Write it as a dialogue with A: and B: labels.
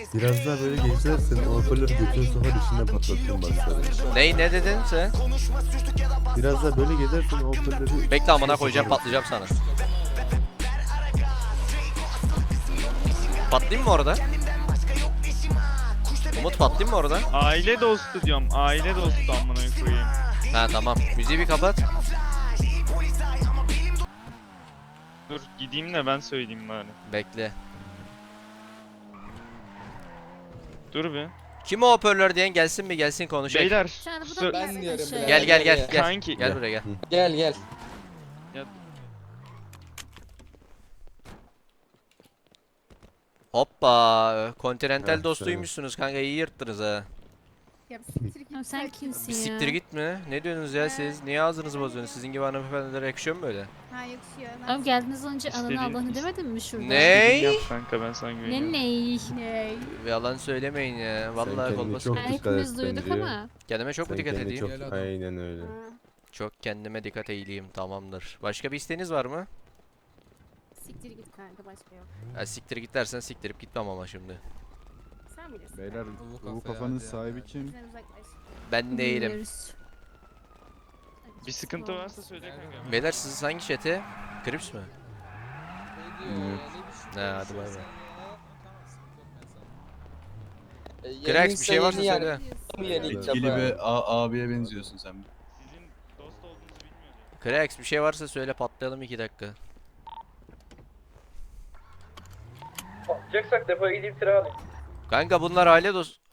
A: Biraz daha böyle geçersen o hoparlörü götünün sokar içinden patlatırım bak sana.
B: Ne dedin sen?
A: Biraz daha böyle gezersen o hoparlörü...
B: Bekle amına koyacağım, patlayacağım sana. Patlayayım mı orada? Umut patlayayım mı orada?
C: Aile dostu diyorum. Aile dostu amına koyayım.
B: Ha tamam. Müziği bir kapat.
C: Dur gideyim de ben söyleyeyim bari.
B: Bekle.
C: Dur bir.
B: Kim o hoparlör diyen gelsin mi, gelsin konuşayım.
C: Beyler.
D: Şu anda bu
C: sö-
D: da
E: Ben diyorum
D: aşağıya.
B: Gel gel gel gel.
C: Kanki.
B: Gel buraya gel.
E: Gel gel.
C: Ya,
B: Hoppa. Continental
A: Ah,
B: dostuymuşsunuz kanka, iyi yırttınız ha.
D: Ya siktir git.
F: Ya sen kimsin
B: Bir
F: ya?
B: siktir git mi? Ne diyorsunuz ya siz? Niye ağzınızı bozuyorsunuz? Sizin gibi hanımefendilere yakışıyor mu böyle?
D: Ha yakışıyor.
F: Abi geldiniz önce ananı
C: İstediğin-
F: Allah'ını demedin mi şurada?
B: Ne?
C: Yap kanka ben sana güveniyorum.
F: Ne?
D: Ne?
B: Yalan söylemeyin ya. Vallahi
A: kendine
B: kolbasa.
A: çok
F: Yani
A: dikkat et
F: hepimiz duyduk
A: bence.
F: ama.
B: Kendime çok mu
A: Sen
B: dikkat
A: kendine
B: edeyim?
A: çok... Aynen öyle.
D: Ha.
B: Çok kendime dikkat edeyim, tamamdır. Başka bir isteğiniz var mı?
D: Siktir git kanka, başka yok.
B: Ha, siktir git dersen siktirip gitmem ama şimdi.
D: Sen bilirsin.
G: Beyler
D: kanka.
G: bu kafanın sahibi kim?
D: Bizden uzaklaş.
B: Ben değilim.
F: Bilmiyoruz.
C: Bir sıkıntı varsa söyle kanka.
B: Beyler siz hangi chat'e? Crips mi? Ha, hadi bay bay. Krax bir şey varsa söyle.
E: Etkili
G: bir abiye benziyorsun sen.
C: Sizin dost olduğunuzu bilmiyordum.
B: Krax bir şey varsa söyle, patlayalım 2 dakika.
H: Patlayacaksak depoya gideyim tire alayım.
B: Kanka bunlar aile dost...